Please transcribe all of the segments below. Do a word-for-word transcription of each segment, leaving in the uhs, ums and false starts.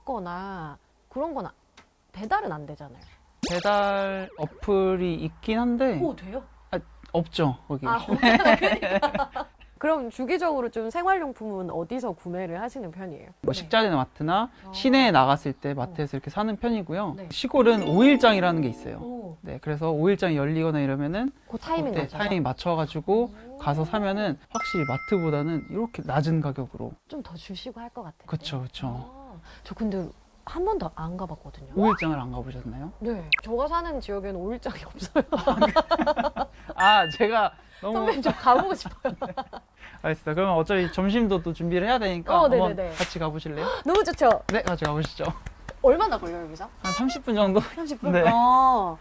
먹거나 그런 건 아- 배달은 안 되잖아요. 배달 어플이 있긴 한데 오, 돼요? 없죠 거기. 아, 없잖아. 그러니까. 그럼 주기적으로 좀 생활용품은 어디서 구매를 하시는 편이에요? 뭐 식자재나 마트나 어. 시내에 나갔을 때 마트에서 이렇게 사는 편이고요. 네. 시골은 오일장이라는 게 있어요. 오, 네, 그래서 오일장이 열리거나 이러면은 그 타이밍 그때 맞아서 타이밍 맞춰가지고 오. 가서 사면은 확실히 마트보다는 이렇게 낮은 가격으로. 좀 더 주시고 할 것 같아요. 그쵸, 그쵸. 아, 저 근데 한 번도 안 가봤거든요. 오일장을 안 가보셨나요? 네, 저가 사는 지역에는 오일장이 없어요. 아, 제가 너무 선배님 좀 가보고 싶어요. 알겠습니다. 그러면 어차피 점심도 또 준비를 해야 되니까 어, 한번 네네네. 같이 가보실래요? 너무 좋죠? 네, 같이 가보시죠. 얼마나 걸려요, 여기서? 한 삼십 분 정도? 삼십 분? 네. 어.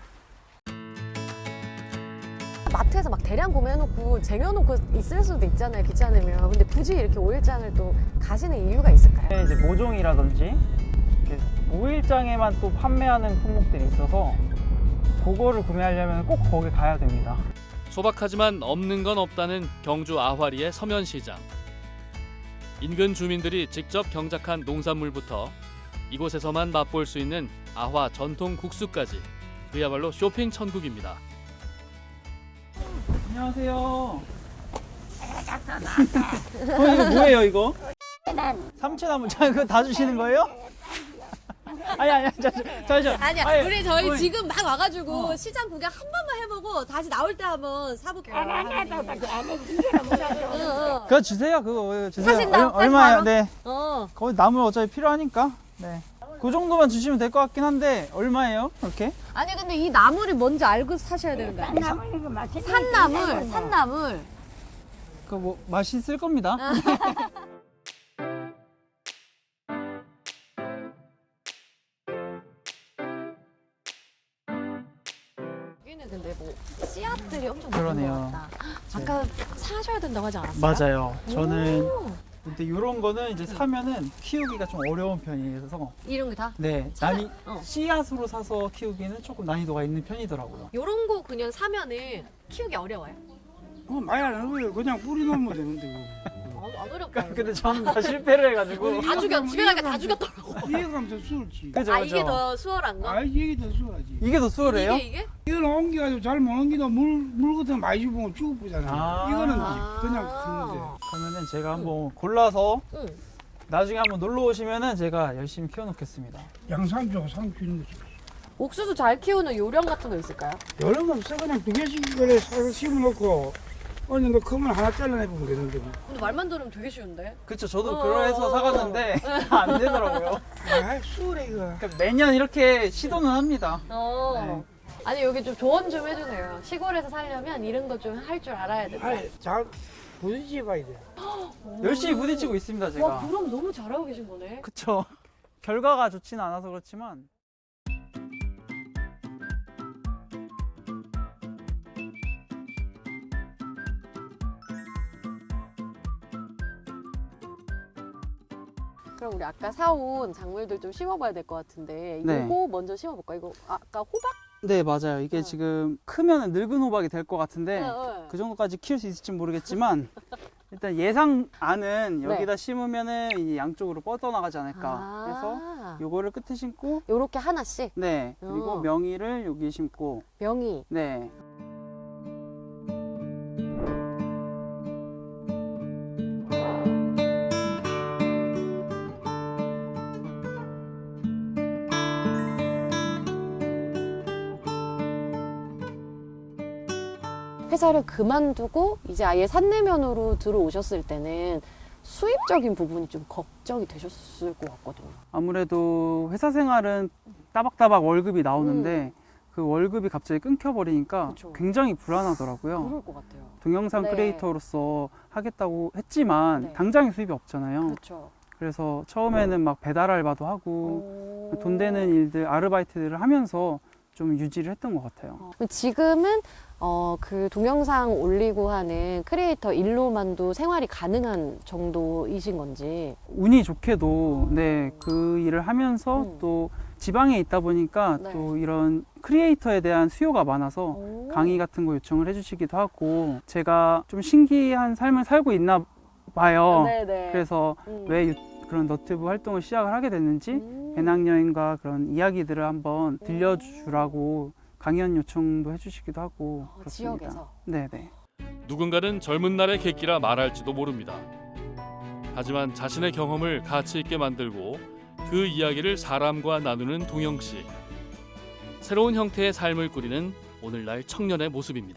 마트에서 막 대량 구매해놓고 쟁여놓고 있을 수도 있잖아요, 귀찮으면. 근데 굳이 이렇게 오일장을 또 가시는 이유가 있을까요? 이제 모종이라든지 오일장에만 또 판매하는 품목들이 있어서 그거를 구매하려면 꼭 거기 가야 됩니다. 소박하지만 없는 건 없다는 경주 아화리의 서면시장. 인근 주민들이 직접 경작한 농산물부터 이곳에서만 맛볼 수 있는 아화 전통 국수까지 그야말로 쇼핑 천국입니다. 안녕하세요. 어, 이거 뭐예요, 이거? 삼채나무. 자, 그거 다 주시는 거예요? 아니, 아니, 저, 저, 저, 저. 아니야, 아니, 우리 저희 어머니. 지금 막 와가지고 어. 시장 구경 한 번만 해보고 다시 나올 때 한번 사볼게요. 어, 그거 주세요, 그거 주세요. 사신다, 얼- 얼마예요? 사신 네. 어. 어. 거의 나물 어차피 필요하니까. 네. 그 정도만 주시면 될 것 같긴 한데 얼마예요? 이렇게? 아니 근데 이 나물이 뭔지 알고 사셔야 되는 거야. 산나물, 산나물. 그 뭐 맛있을 겁니다. 여기는 근데 뭐 씨앗들이 엄청 그러네요. 많은 것 같다. 아까 사셔야 된다고 하지 않았어요? 맞아요. 저는 오, 근데 이런 거는 이제 사면은 키우기가 좀 어려운 편이라서 이런 게 다? 네, 찾아- 난이 어. 씨앗으로 사서 키우기는 조금 난이도가 있는 편이더라고요. 요런 거 그냥 사면은 키우기 어려워요. 어, 많이 안 어려워요. 그냥 뿌리 놓으면 되는데. 어, 안 어렵다. 근데 저는 다 실패를 해가지고. 다 죽여, 집에 가니까 다 죽였더라고. 이해가면 더 수월지. 그죠, 아 그죠. 이게 더 수월한 거? 아, 이게 더 수월하지. 이게 더 수월해요? 이게 이게? 이거는 옮겨가지고 잘 못 옮기다 물, 물 같은 거 많이 주면 죽어보잖아. 아. 이거는 아. 그냥 크는데. 그러면은 제가 한번 골라서 응. 나중에 한번 놀러 오시면은 제가 열심히 키워놓겠습니다. 양상추하고 상추 있는 거지. 옥수수 잘 키우는 요령 같은 거 있을까요? 여러 거 없어. 그냥 두 개씩 그래 사서 심어놓고 어느 정도 크면 하나 잘라내보면 되는데. 뭐. 근데 말만 들으면 되게 쉬운데? 그쵸, 저도 어. 그러해서 사갔는데 안 되더라고요. 아, 수월해, 이거. 그러니까 매년 이렇게 시도는 합니다. 어. 아니 여기 좀 조언 좀 해주세요. 시골에서 살려면 이런 거 좀 할 줄 알아야 된다. 아, 잘 부딪혀 봐야 돼. 열심히 부딪히고 있습니다, 제가. 와 그럼 너무 잘하고 계신 거네. 그쵸. 결과가 좋지는 않아서 그렇지만. 그럼 우리 아까 사온 작물들 좀 심어봐야 될 것 같은데 네. 이거 먼저 심어볼까? 이거 아까 호박? 네, 맞아요. 이게 어. 지금 크면은 늙은 호박이 될 것 같은데 네. 그 정도까지 키울 수 있을지 모르겠지만 일단 예상안은 네. 여기다 심으면은 이 양쪽으로 뻗어나가지 않을까. 아. 그래서 요거를 끝에 심고 요렇게 하나씩 네, 그리고 어. 명이를 여기 심고 명이. 네. 회사를 그만두고 이제 아예 산내면으로 들어오셨을 때는 수입적인 부분이 좀 걱정이 되셨을 것 같거든요. 아무래도 회사 생활은 따박따박 월급이 나오는데 그 월급이 갑자기 끊겨버리니까 음. 그쵸. 굉장히 불안하더라고요. 그럴 것 같아요. 동영상 네. 크리에이터로서 하겠다고 했지만 네. 당장의 수입이 없잖아요. 그렇죠. 그래서 처음에는 막 배달 알바도 하고 오. 돈 되는 일들, 아르바이트들을 하면서 좀 유지를 했던 것 같아요. 어, 지금은 어, 그 동영상 올리고 하는 크리에이터 일로만도 생활이 가능한 정도이신 건지. 운이 좋게도 네, 그 일을 하면서 음. 또 지방에 있다 보니까 네. 또 이런 크리에이터에 대한 수요가 많아서 오. 강의 같은 거 요청을 해주시기도 하고 제가 좀 신기한 삶을 살고 있나 봐요. 네네. 그래서 음. 왜 유- 그런 너튜브 활동을 시작을 하게 됐는지 음. 배낭여행과 그런 이야기들을 한번 들려주라고 강연 요청도 해주시기도 하고 어, 그렇습니다. 지역에서. 네네. 누군가는 젊은 날의 객기라 말할지도 모릅니다. 하지만 자신의 경험을 가치 있게 만들고 그 이야기를 사람과 나누는 동영 씨. 새로운 형태의 삶을 꾸리는 오늘날 청년의 모습입니다.